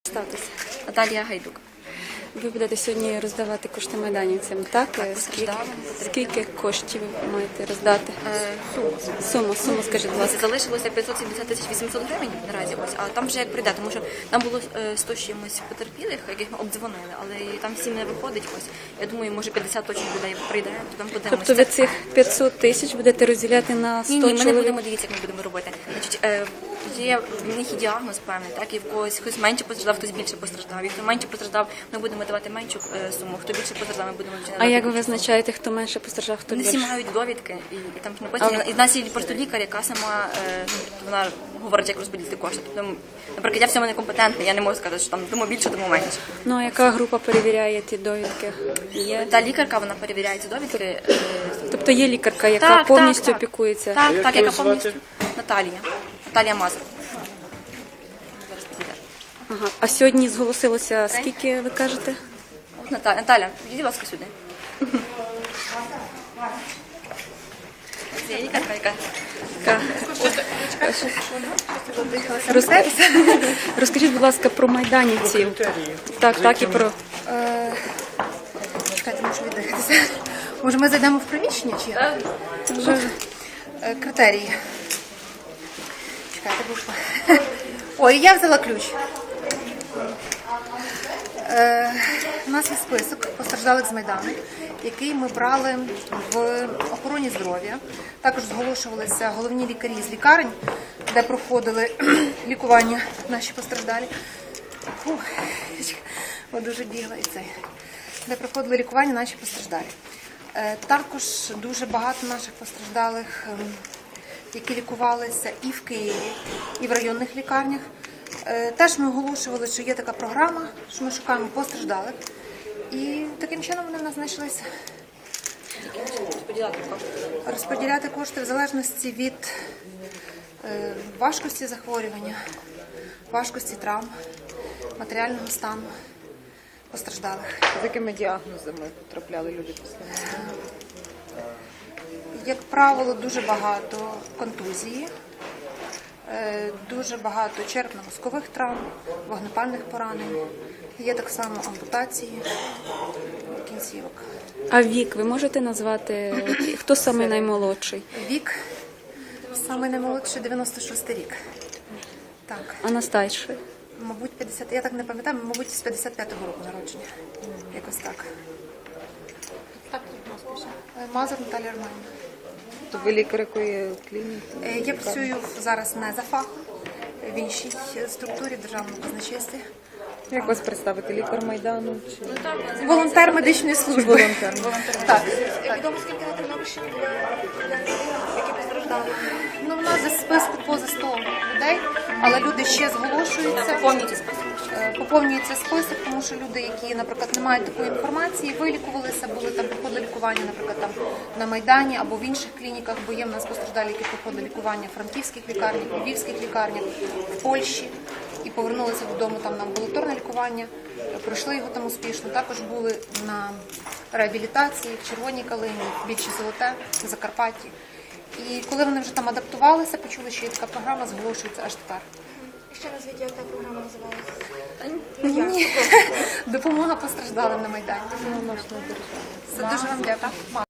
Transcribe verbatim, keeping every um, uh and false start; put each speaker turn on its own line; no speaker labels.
Ставтеся.
Наталія Гайдук.
Ви будете сьогодні роздавати кошти майданівцям, так?
Так,
Скільки,
постраждалим.
скільки коштів ви маєте роздати?
Е, Суму.
Суму, суму, скажіть, будь ласка.
Залишилося п'ятсот сімдесят тисяч вісімсот гривень наразі, ось, а там вже як прийде, тому що там було е, сто чимось потерпілих, яких ми обдзвонили, але і там всім не виходить. Ось. Я думаю, може п'ятдесят точно людей прийде, то там подивимося.
Тобто ви цих п'ятсот тисяч будете розділяти на сто
Ні, ні, ми не
чоловік?
будемо, дивіться, як ми будемо робити. Значить, е, є в них і діагноз певний, так, і в когось хтось менше постраждав, хтось більше постраждав. І хто менше постраждав, ми будемо давати меншу е, суму, хто більше постраждав, ми будемо
А
давати
як ви
більшу суму.
визначаєте, хто менше постраждав, хто
Вони
більше?
всі мають довідки, і, і там ж написано. І в нас є просто лікар, яка сама е, ну, вона говорить, як розподілити кошти. Тобто, наприклад, я в цьому некомпетентна, я не можу сказати, що там тому більше, тому менше.
Ну, а яка група перевіряє ті довідки? Є?
Та лікарка, вона перевіряє ці довідки. Е,
Тобто є лікарка, яка
так,
повністю
так,
опікується?
Так,
Як
так,
її
яка повністю.
звати?
Наталія. Наталія Мазур. Зараз підійде.
Ага. А сьогодні зголосилося скільки, ви кажете?
От Наталя, Наталя, підійди, будь ласка, сюди. Це є лікарка, яка...
Яка? Роз- Розкажіть, будь ласка, про майданівців. Так, так, і про...
Чекайте, можу віддихатися. Може, ми зайдемо в приміщення чи як? Вже е, критерії. Чекайте, бо... Ой, я взяла ключ. Е, у нас є список постраждалих з Майдану, який ми брали в охороні здоров'я. Також зголошувалися головні лікарі з лікарень, де проходили лікування наші постраждалі. Фух, о, дуже бігла і цей. Де проходили лікування наші постраждалі. Е, Також дуже багато наших постраждалих, ем, які лікувалися і в Києві, і в районних лікарнях. Е, Теж ми оголошували, що є така програма, що ми шукаємо постраждалих. І таким чином вони в нас знайшлися. Розподіляти кошти в залежності від е, важкості захворювання, важкості травм, матеріального стану постраждалих.
З якими діагнозами потрапляли люди після?
Як правило, дуже багато контузії, е, дуже багато черепно-мозкових травм, вогнепальних поранень. Є так само ампутації кінцівок.
А вік ви можете назвати, от, хто саме наймолодший?
Вік саме наймолодший дев'яносто шостий рік. Так,
А найстарший?
мабуть, п'ятдесят, я так не пам'ятаю, мабуть, з п'ятдесят п'ятого року народження. Якось так. Е, Мазур Наталія Романівна.
То ви лікар якої клініки?
Е, Я працюю зараз не за фахом, в іншій структурі державного казначейства.
Як вас представити? Лікар Майдану? Чи...
Волонтер медичної служби.
Волонтер.
Так. Відомо, скільки на Тернопільщині які постраждали? Ну, в нас за списку поза сто людей, але люди ще зголошуються.
Поповнюйте список.
Е, Поповнюється список, тому що люди, які, наприклад, не мають такої інформації, вилікувалися, були там проходили лікування, наприклад, там на Майдані або в інших клініках, бо є в нас постраждалі, які проходили лікування в франківських лікарнях, в львівських лікарнях, в Польщі і повернулися додому там на амбулаторне лікування, е, пройшли його там успішно. Також були на реабілітації в Червоній Калині, в Більші Золоте, в Закарпатті. І коли вони вже там адаптувалися, почули, що є така програма, зголошується аж тепер.
Ще раз відео, яка програма називається?
Ні. Допомога постраждалим на Майдані. Все, дуже вам дякую.